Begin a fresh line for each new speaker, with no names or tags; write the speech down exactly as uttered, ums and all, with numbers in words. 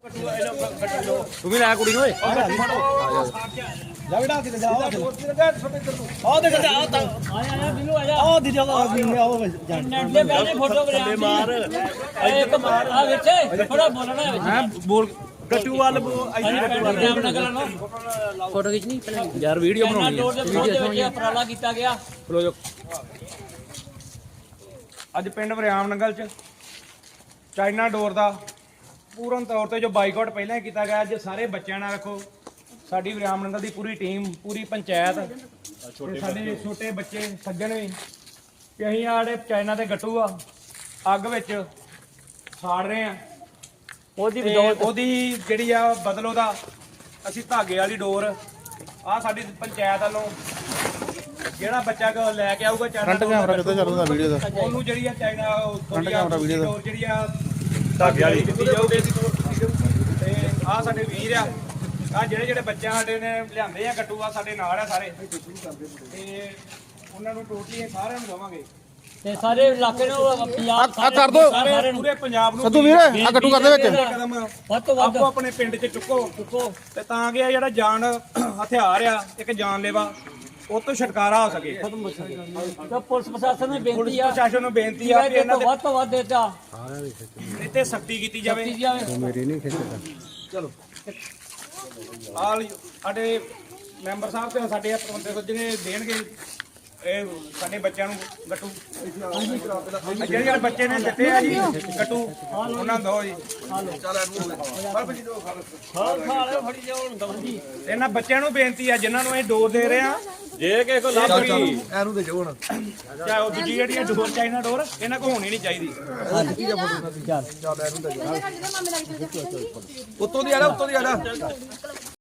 ਤੂੰ ਵੀ ਲੈ ਕੁੜੀ ਨੂੰ ਓਏ
ਜਾ ਬੇਟਾ ਕਿਤੇ ਜਾ ਆ ਦੇਖ ਜਾ ਆ ਤਾਂ
ਆਇਆ ਆਇਆ ਬਿੱਲੂ ਆ ਜਾ
ਆ ਦੀ ਜਾ ਆ ਵੀ ਆਓ ਜਾ
ਨੈਟ ਦੇ ਬੈਠੇ ਫੋਟੋ ਬਣਾ ਮਾਰ ਇੱਕ ਮਾਰ ਆ ਵਿੱਚ ਥੋੜਾ ਬੋਲਣਾ ਵਿੱਚ
ਹੈ ਬੋਲ
ਗੱਟੂ ਵੱਲ
ਫੋਟੋ ਖਿੱਚਣੀ
ਯਾਰ ਵੀਡੀਓ ਬਣਾਉਣੀ ਹੈ
ਵੀਡੀਓ ਵਿੱਚ ਉਪਰਾਲਾ ਕੀਤਾ ਗਿਆ
ਲੋ ਜੋ ਅੱਜ ਪਿੰਡ ਵਰਿਆਮ ਨੰਗਲ ਚ ਚਾਈਨਾ ਡੋਰ ਦਾ ਪੂਰਨ ਤੌਰ ਤੇ ਜੋ ਬਾਈਕਾਟ ਪਹਿਲਾਂ ਹੀ ਕੀਤਾ ਗਿਆ ਅੱਜ ਸਾਰੇ ਬੱਚਿਆਂ ਨਾਲ ਰੱਖੋ ਸਾਡੀ ਵਰਿਆਮ ਨੰਗਲ ਦੀ ਪੂਰੀ ਟੀਮ ਪੂਰੀ ਪੰਚਾਇਤ ਤੇ ਸਾਡੇ ਛੋਟੇ ਬੱਚੇ ਸੱਜਣ ਵੀ ਕਿ ਅਸੀਂ ਆੜੇ ਚਾਈਨਾ ਦੇ ਗੱਟੂ ਆ ਅੱਗ ਵਿੱਚ ਸਾੜ ਰਹੇ ਆ ਉਹਦੀ ਉਹਦੀ ਜਿਹੜੀ ਆ ਬਦਲ ਉਹਦਾ ਅਸੀਂ ਧਾਗੇ ਵਾਲੀ ਡੋਰ ਆ ਸਾਡੀ ਪੰਚਾਇਤ ਵੱਲੋਂ ਜਿਹੜਾ ਬੱਚਾ ਕੋ ਲੈ ਕੇ ਆਊਗਾ ਚਾਈਨਾ
ਫਰੰਟ ਕੈਮਰਾ ਕਿੱਥੇ ਚੱਲਦਾ ਵੀਡੀਓ ਦਾ
ਉਹਨੂੰ ਜਿਹੜੀ ਆ ਚਾਈਨਾ
ਫਰੰਟ ਕੈਮਰਾ ਵੀਡੀਓ ਦਾ
ਡੋਰ ਜਿਹੜੀ ਆ ਧਾਗੇ ਵਾਲੀ ਦਿੱਤੀ ਜਾਊਗੀ ਤੇ ਆ ਸਾਡੇ ਵੀਰ ਆ ਆ ਜਿਹੜੇ ਜਿਹੜੇ ਬੱਚੇ ਸਾਡੇ ਨੇ ਲਿਆਂਦੇ ਆ ਗੱਟੂ ਆ ਸਾਡੇ ਨਾਲ ਆ ਸਾਰੇ ਤੇ ਉਹਨਾਂ ਨੂੰ ਟੋਟਲੀ ਸਾਰਿਆਂ ਨੂੰ ਦਵਾਂਗੇ
ਤੇ ਸਾਰੇ ਇਲਾਕੇ ਨੂੰ ਪੰਜਾਬ
ਆ ਕਰ ਦੋ
ਸਾਰਿਆਂ ਨੂੰ
ਪੂਰੇ ਪੰਜਾਬ ਨੂੰ
ਸੱਤੂ ਵੀਰ ਆ ਗੱਟੂ ਕਰਦੇ ਵਿੱਚ
ਕਦਮ
ਵੱਧ ਤੋਂ ਵੱਧ
ਆਪੋ ਆਪਣੇ ਪਿੰਡ 'ਚ ਚੁੱਕੋ ਚੁੱਕੋ ਤੇ ਤਾਂ ਕਿ ਇਹ ਜਿਹੜਾ ਜਾਨ ਹਥਿਆਰ ਆ ਇੱਕ ਜਾਨਲੇਵਾ ਉਹ ਤੋਂ ਛੁਟਕਾਰਾ ਹੋ ਸਕੇ
ਤਾਂ ਪੁਲਿਸ ਪ੍ਰਸ਼ਾਸਨ ਨੂੰ
ਪੁਲਿਸ
ਬੇਨਤੀ ਆ
ਪ੍ਰਸ਼ਾਸਨ ਨੂੰ ਬੇਨਤੀ ਆ ਕਿ
ਕਿ
ਇਹਨਾਂ
ਇਹਨਾਂ ਵੱਧ ਤੋਂ ਵੱਧ ਦੇਤਾ
ਦੇ ਤੇ ਸਖਤੀ ਕੀਤੀ ਜਾਵੇ
ਕੀਤੀ ਜਾਵੇ
ਮੇਰੀ ਨਹੀਂ ਖਿੱਚਦਾ
ਚਲੋ ਆਲ ਸਾਡੇ ਮੈਂਬਰ ਸਾਹਿਬ ਤੇ ਸਾਡੇ ਪ੍ਰਬੰਧਕ ਸੱਜਣੇ ਦੇਣਗੇ ਇਹ ਸਾਡੇ ਬੱਚਿਆਂ ਨੂੰ ਗੱਟੂ ਜਿਹੜੇ ਜਿਹੜੇ ਬੱਚੇ ਨੇ ਦਿੱਤੇ ਆ ਜੀ ਗੱਟੂ ਉਹਨਾਂ ਨੂੰ ਦਿਓ ਜੀ
ਖਾਲ ਖਾਲ ਫੜੀ ਜਾਓ ਦਵੰਦੀ
ਇਹਨਾਂ ਬੱਚਿਆਂ ਨੂੰ ਬੇਨਤੀ ਆ ਜਿਨ੍ਹਾਂ ਨੂੰ ਇਹ ਡੋਰ ਦੇ ਰਹੇ ਆ ਜੇ ਕਿਸੇ ਕੋ ਲੱਭ ਗਈ
ਇਹਨੂੰ ਦੇ ਜਾਓ ਹੁਣ
ਚਾਹੇ ਉਹ ਦੂਜੀ ਜਿਹੜੀ ਆ ਡੋਰ ਚਾਈਨਾ ਡੋਰ ਇਹਨਾਂ ਕੋ ਹੋਣੀ ਨਹੀਂ ਚਾਹੀਦੀ
ਚੱਲ
ਉੱਤੋਂ ਦੀ ਆ ਉੱਤੋਂ ਦੀ ਆ